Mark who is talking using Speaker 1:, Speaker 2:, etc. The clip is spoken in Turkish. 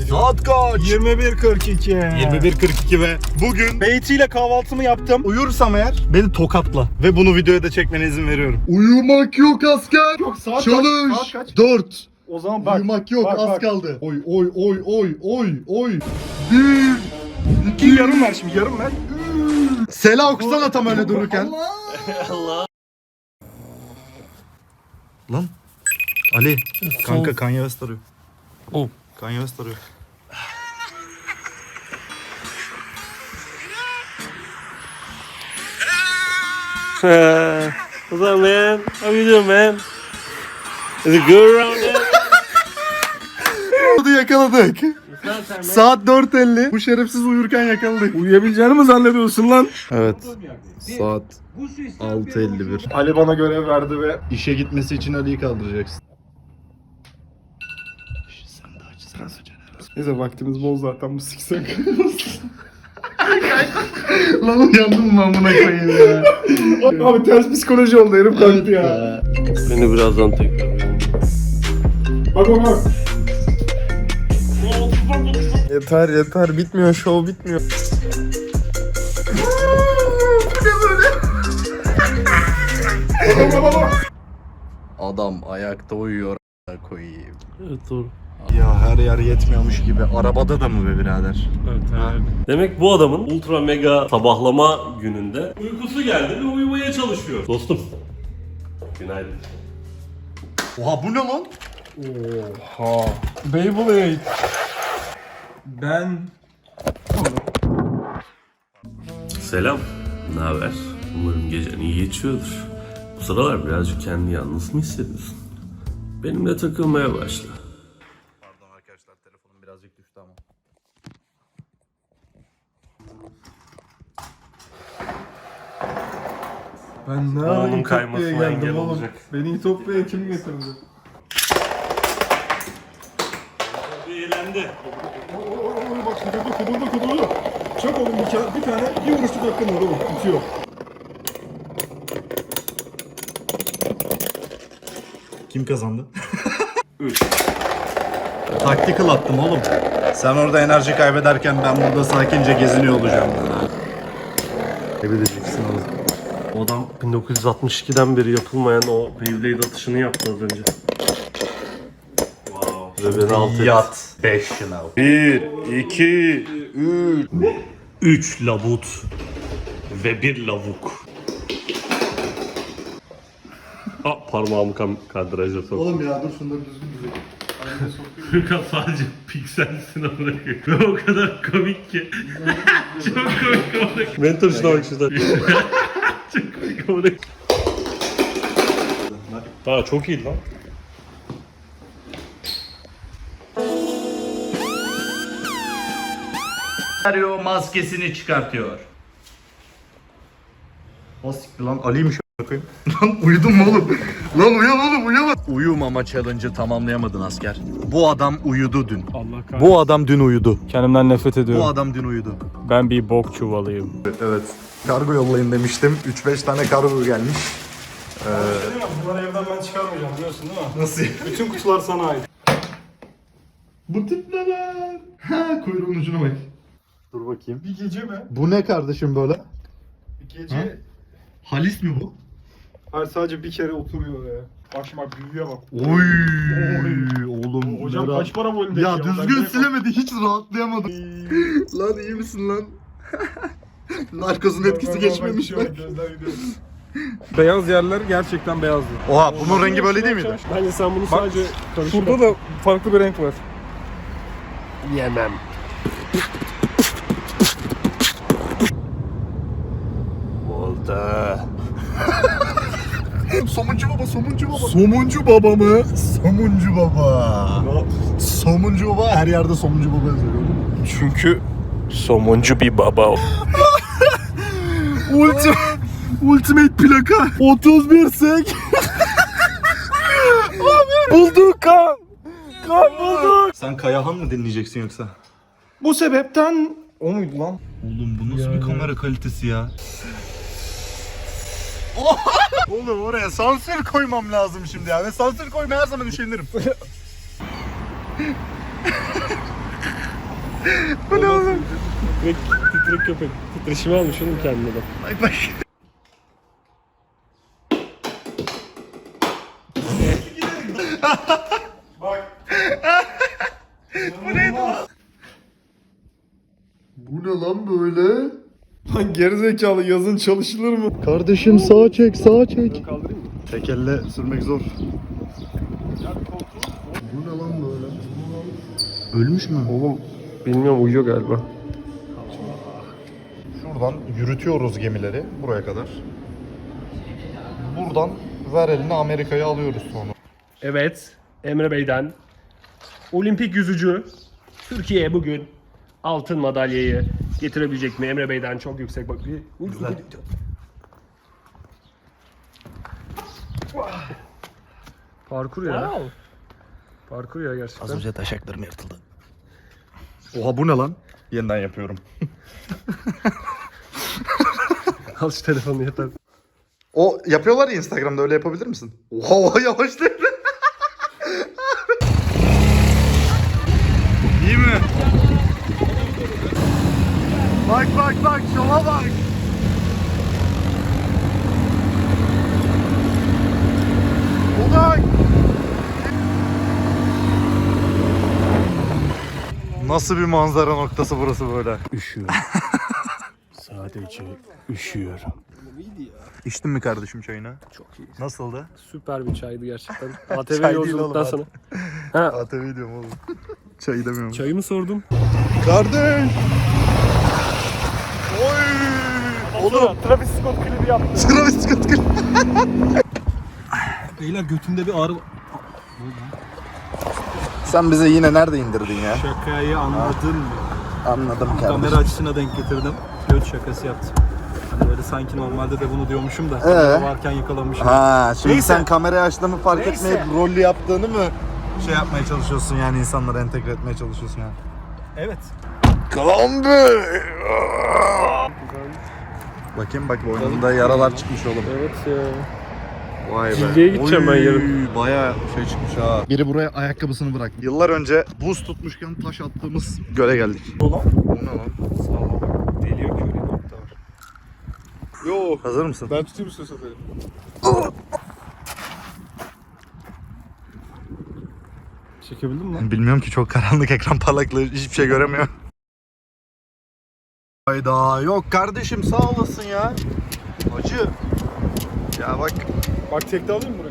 Speaker 1: Saat kaç?
Speaker 2: 21.42.
Speaker 1: 21.42 ve bugün
Speaker 2: Beyti ile kahvaltımı yaptım.
Speaker 1: uyursam eğer beni tokatla. Ve bunu videoya da çekmene izin veriyorum.
Speaker 3: Uyumak yok asker.
Speaker 2: Yok, saat
Speaker 3: Çalış.
Speaker 2: kaç? Saat kaç?
Speaker 3: 4.
Speaker 2: O zaman bak.
Speaker 3: Uyumak yok,
Speaker 2: bak,
Speaker 3: az
Speaker 2: bak.
Speaker 3: kaldı. Oy oy oy oy oy oy. 1
Speaker 2: 2 yarım ver şimdi, yarım ver.
Speaker 3: Sela okusana tam öyle dururken.
Speaker 1: Lan Ali kanka Kanye West arıyor.
Speaker 4: Oh.
Speaker 1: Kanye West arıyor.
Speaker 4: What's up, man? How you doing, man? Is it good around there?
Speaker 3: Hadi yakaladık. Saat 4:50. Bu şerefsiz uyurken yakaladık.
Speaker 2: Uyuyabileceğini mi zannediyorsun lan?
Speaker 1: Evet. Saat 6:51.
Speaker 2: Ali bana görev verdi ve
Speaker 1: İşe gitmesi için Ali'yi kaldıracaksın.
Speaker 2: neyse vaktimiz bol zaten bu siksen.
Speaker 3: Lan uyandım mı amına koyayım ya.
Speaker 2: Abi ters psikoloji oldu, herif kalktı ya.
Speaker 4: Beni birazdan tekrar.
Speaker 2: Bak bak.
Speaker 3: Yeter yeter bitmiyor, şov bitmiyor.
Speaker 1: Adam ayakta uyuyor koyayım.
Speaker 4: Evet, doğru.
Speaker 1: Ya her yer yetmiyormuş gibi. Arabada da mı be birader?
Speaker 4: Evet, evet. Demek bu adamın ultra mega sabahlama gününde uykusu geldi ve uyumaya çalışıyor. Dostum. Günaydın.
Speaker 1: Oha bu ne lan?
Speaker 2: Beyblade. Ben...
Speaker 4: Selam. Ne haber? Umarım gecen iyi geçiyordur. Bu sıralar birazcık kendini yalnız mı hissediyorsun? Benimle takılmaya başla.
Speaker 1: Pardon arkadaşlar telefonum birazcık düştü ama.
Speaker 2: Ben ne
Speaker 4: Onun
Speaker 2: ara
Speaker 4: kaymasına
Speaker 2: İtopya'ya
Speaker 4: engel
Speaker 2: geldim oğlum.
Speaker 4: olacak.
Speaker 2: Beni İtopya'ya kim getirdi?
Speaker 4: Eğlendi.
Speaker 2: Oy bak kudurdu. Çak oğlum bir tane bir vuruşluk hakkın var oğlum. Bitiyor.
Speaker 1: Kim kazandı? 3. Tactical attım oğlum. Sen orada enerji kaybederken ben burada sakince geziniyor olacağım. Ne bileceksin oğlum.
Speaker 4: O adam 1962'den beri yapılmayan o Beyblade atışını yaptı az önce. Wow. Ve beni alt etti.
Speaker 1: Yat. 5 şınav.
Speaker 4: 1, 2, 3. 3 labut ve 1 lavuk. Ha, parmağımı kadraja soktum.
Speaker 3: Oğlum ya dur şunları düzgün düzgün.
Speaker 4: Furkan sadece pikselsin bırakıyor. Ve o kadar komik ki. Çok komik komik. Mentor şuna bak şurada. Çok komik komik. Daha çok iyi lan.
Speaker 1: Mario maskesini çıkartıyor. O siktir lan Ali'ymiş a**ayım. Lan uyudun mu oğlum? Lan uyan oğlum uyama. Uyumama challenge'ı tamamlayamadın asker. Bu adam uyudu dün.
Speaker 2: Allah kahretsin.
Speaker 1: Bu adam dün uyudu.
Speaker 2: Kendimden nefret ediyorum.
Speaker 1: Bu adam dün uyudu.
Speaker 2: Ben bir bok çuvalıyım.
Speaker 1: Evet. Kargo yollayın demiştim. 3-5 tane kargo gelmiş.
Speaker 2: Bunları evden ben çıkarmayacağım biliyorsun değil mi?
Speaker 1: Nasıl?
Speaker 2: Bütün kutular sana ait.
Speaker 3: Bu tip ne lan? Ha kuyruğun ucuna bak.
Speaker 1: Dur bakayım.
Speaker 2: Bir gece mi?
Speaker 1: Bu ne kardeşim böyle?
Speaker 2: Bir gece...
Speaker 1: Ha? Halis mi bu?
Speaker 2: Hayır sadece bir kere oturuyor ya. Bak şimdi bak büyüye bak.
Speaker 1: Oy oğlum.
Speaker 2: Hocam
Speaker 1: ne
Speaker 2: kaç para bu elindeki
Speaker 1: Ya düzgün
Speaker 2: Ben
Speaker 1: silemedi hiç rahatlayamadım. Lan iyi misin lan? Narkozun etkisi geçmemiş bak.
Speaker 2: Beyaz yerler gerçekten beyazdı.
Speaker 1: Oha bunun rengi böyle değil miydi?
Speaker 2: Bence sen bunu sadece şurada da farklı bir renk var.
Speaker 4: Yemem. Oldu.
Speaker 1: Somuncu baba, somuncu baba. Somuncu baba mı? Somuncu baba. Somuncu baba her yerde somuncu baba yazıyor.
Speaker 4: Çünkü somuncu bir baba.
Speaker 1: Ultimate plaka 31 sek.
Speaker 2: Bulduk kan! Kan bulduk!
Speaker 1: Sen Kayahan mı dinleyeceksin yoksa?
Speaker 2: Bu sebepten... O muydu lan?
Speaker 1: Oğlum bu nasıl bir kamera kalitesi ya? Oğlum oraya sansür koymam lazım şimdi ya. Ve sansür koymaya her zaman üşenirim.
Speaker 3: Bu ne oğlum?
Speaker 4: Titrek köpek. Titreşimi almış oğlum kendine bak.
Speaker 3: Bak bak.
Speaker 2: Bu ne lan böyle? Lan gerizekalı yazın çalışılır mı?
Speaker 3: Kardeşim sağa çek, sağa çek.
Speaker 4: Kaldırayım mı?
Speaker 3: Tek elle sürmek zor.
Speaker 2: Bu ne lan böyle?
Speaker 3: Ölmüş mü?
Speaker 4: Oğlum bilmiyorum, uyuyor galiba.
Speaker 3: Şuradan yürütüyoruz gemileri buraya kadar. Buradan ver elini Amerika'ya alıyoruz sonra.
Speaker 4: Evet, Emre Bey'den olimpik yüzücü Türkiye'ye bugün altın madalyayı getirebilecek mi? Emre Bey'den çok yüksek bak. Parkur ya. Parkur ya gerçekten.
Speaker 3: önce taşaklarım yırtıldı. Oha bu ne lan? Yeniden yapıyorum.
Speaker 4: Al şu telefonu yeter.
Speaker 3: O yapıyorlar ya Instagram'da, öyle yapabilir misin? Oha yavaş değil. İyi mi? Bak bak bak, şova bak. Ulan. Nasıl bir manzara noktası burası böyle?
Speaker 4: Üşüyorum. Sadece üşüyorum.
Speaker 3: İçtin mi kardeşim çayını?
Speaker 4: Çok iyi.
Speaker 3: Nasıldı?
Speaker 4: Süper bir çaydı gerçekten.
Speaker 3: Çay
Speaker 4: ATV
Speaker 3: değil
Speaker 4: yolculuktan
Speaker 3: oğlum,
Speaker 4: sonra. Ha,
Speaker 3: ATV diyorum oğlum. Çayı demiyorum.
Speaker 4: çayı mı sordum?
Speaker 3: Kardeş! Oy! Oğlum!
Speaker 4: Travis Scott klibi yaptı.
Speaker 3: Travis Scott gel.
Speaker 2: Beyler götümde bir ağrı var.
Speaker 3: Sen bize yine nerede indirdin ya?
Speaker 2: Şakayı anladın mı?
Speaker 3: Anladım
Speaker 2: Kamera
Speaker 3: kardeşim.
Speaker 2: açısına denk getirdim. Göt şakası yaptım. Hani böyle sanki normalde de bunu diyormuşum da varken yakalamışım.
Speaker 3: Ha, şimdi
Speaker 2: Neyse.
Speaker 3: sen kamerayı açtığını fark
Speaker 2: Neyse.
Speaker 3: etmeyip rollü yaptığını mı şey yapmaya çalışıyorsun, yani insanlara entegre etmeye çalışıyorsun yani?
Speaker 2: Evet.
Speaker 3: Kolombi! Bakayım bak, boynunda yaralar çıkmış oğlum.
Speaker 4: Evet ya.
Speaker 3: Vay be.
Speaker 4: Cildiye gideceğim ben yarın.
Speaker 3: Bayağı şey çıkmış ha. Biri buraya ayakkabısını bırak. Yıllar önce buz tutmuşken taş attığımız göle geldik. Bu ne lan?
Speaker 2: Deliyor köylü nokta var. Yo.
Speaker 3: Hazır mısın?
Speaker 2: Ben tutayım üstüne satayım. Çekebildin mi lan?
Speaker 3: Bilmiyorum ki, çok karanlık, ekran parlaklığı, hiçbir şey göremiyor. Hayda, yok kardeşim, sağ olasın ya. Acı. Ya bak,
Speaker 2: Bak tekte alayım mı